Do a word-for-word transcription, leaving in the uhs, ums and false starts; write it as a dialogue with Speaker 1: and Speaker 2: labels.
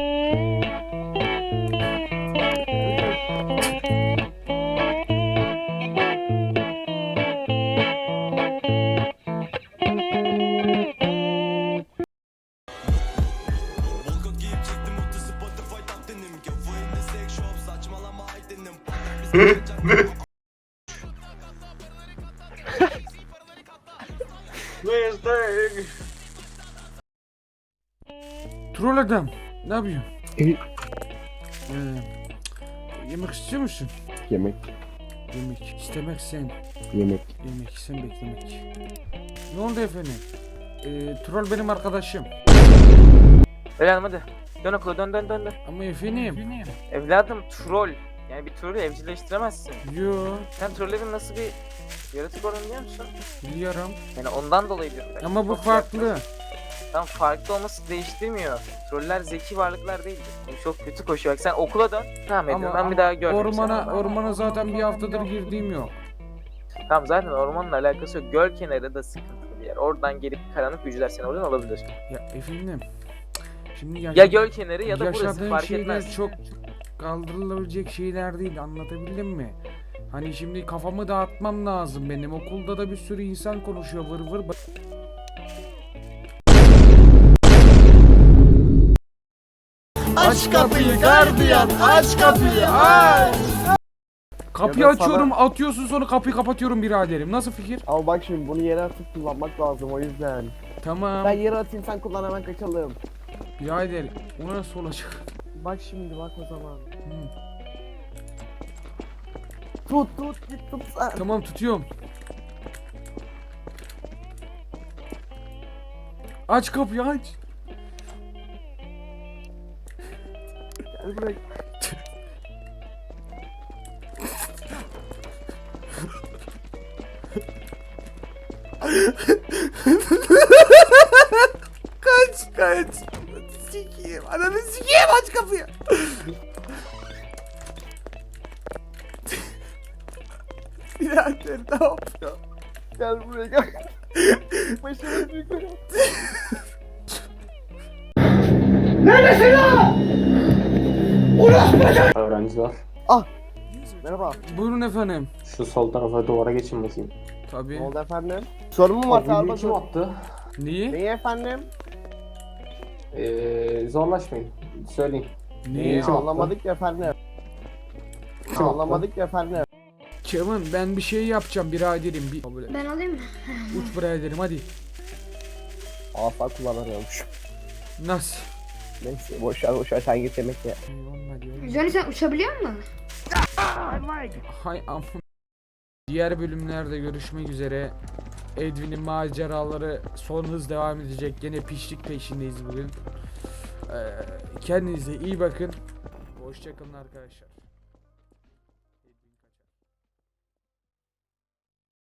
Speaker 1: Troll adam, ne yapıyorsun?
Speaker 2: E,
Speaker 1: Ee, yemek istiyor musun?
Speaker 2: yemek,
Speaker 1: Yemek istemek sen,
Speaker 2: yemek.
Speaker 1: yemek sen beklemek. Ne oldu efendim? Ee, troll benim arkadaşım.
Speaker 3: Evladım hadi. Dön okula dön dön dön dön.
Speaker 1: Ama efendim.
Speaker 3: Evladım troll. Yani bir trolü evcilleştiremezsin.
Speaker 1: Yo,
Speaker 3: Sen trollerin nasıl bir yaratık olduğunu biliyor musun?
Speaker 1: biliyorum.
Speaker 3: Yani ondan dolayı diyorum ben.
Speaker 1: Ama bu
Speaker 3: Çok
Speaker 1: farklı.
Speaker 3: yaklaş- Tamam, farklı olması değiştirmiyor. Troller zeki varlıklar değildir. Yani çok kötü koşuyor. Bak sen okula dön. Tamam ediyorum.
Speaker 1: Ama,
Speaker 3: Ben
Speaker 1: ama
Speaker 3: bir daha görmeyeyim
Speaker 1: ormana,
Speaker 3: seni.
Speaker 1: ormana zaten bir haftadır girdiğim yok.
Speaker 3: Tamam, zaten ormanla alakası yok. Göl kenarı da sıkıntılı bir yer. Oradan gelip karanlık gücüler seni oradan alabilir.
Speaker 1: Ya efendim. Şimdi
Speaker 3: Ya
Speaker 1: yaşa-
Speaker 3: göl kenarı ya da burası,
Speaker 1: yaşadığım
Speaker 3: fark
Speaker 1: şeyler
Speaker 3: etmez.
Speaker 1: çok kaldırılabilecek şeyler değil, anlatabildim mi? Hani şimdi kafamı dağıtmam lazım benim. Okulda da bir sürü insan konuşuyor vır vır.
Speaker 2: Aç kapıyı gardiyan, aç kapıyı, aç!
Speaker 1: Kapıyı
Speaker 2: Ya da
Speaker 1: açıyorum, atıyorsun, sonra kapıyı kapatıyorum biraderim. Nasıl fikir?
Speaker 2: Ama bak şimdi bunu yere atıp kullanmak lazım o yüzden.
Speaker 1: Tamam.
Speaker 2: Ben yere atayım sen kullan hemen kaçalım.
Speaker 1: Birader, o nasıl olacak?
Speaker 2: Bak şimdi bak o zaman.
Speaker 1: Hı.
Speaker 2: Tut tut git tut sen.
Speaker 1: Tamam, tutuyorum. Aç kapıyı, aç.
Speaker 2: Gel buraya.
Speaker 1: Kaç, kaç. Sikiyim, ananı sikiyim, aç kapıyı. Birader, ne yapıyor?
Speaker 2: Gel buraya gel. Başımı büyük koyalım.
Speaker 4: Öğrenciler,
Speaker 2: Merhaba.
Speaker 1: Buyurun efendim.
Speaker 4: şu sol tarafa duvara geçin bakayım.
Speaker 1: Tabii.
Speaker 2: Ne oldu efendim? Sorun mu var
Speaker 4: Abi, videoyu
Speaker 2: sağda
Speaker 4: kim
Speaker 2: dur.
Speaker 4: attı?
Speaker 1: Niye?
Speaker 2: Neyi efendim?
Speaker 4: Ee, zorlaşmayın. Söyleyin.
Speaker 1: Niye?
Speaker 4: Kim attı?
Speaker 2: Anlamadık ya efendim.
Speaker 4: Kim attı?
Speaker 2: Anlamadık ya efendim.
Speaker 1: Kevin, ben bir şey yapacağım biraderim. Bir böyle
Speaker 5: Ben alayım mı?
Speaker 1: uç biraderim, hadi.
Speaker 2: Asa kullanamıyormuş.
Speaker 1: Nasıl?
Speaker 2: Neyse boşver boşver sen git yemek ye.
Speaker 1: Eyvallah diyorum.
Speaker 5: Johnny sen uçabiliyor musun?
Speaker 1: Hay am. Diğer bölümlerde görüşmek üzere. Edwin'in maceraları son hız devam edecek. Gene pişlik peşindeyiz bugün. Ee, kendinize iyi bakın. Hoşçakalın arkadaşlar.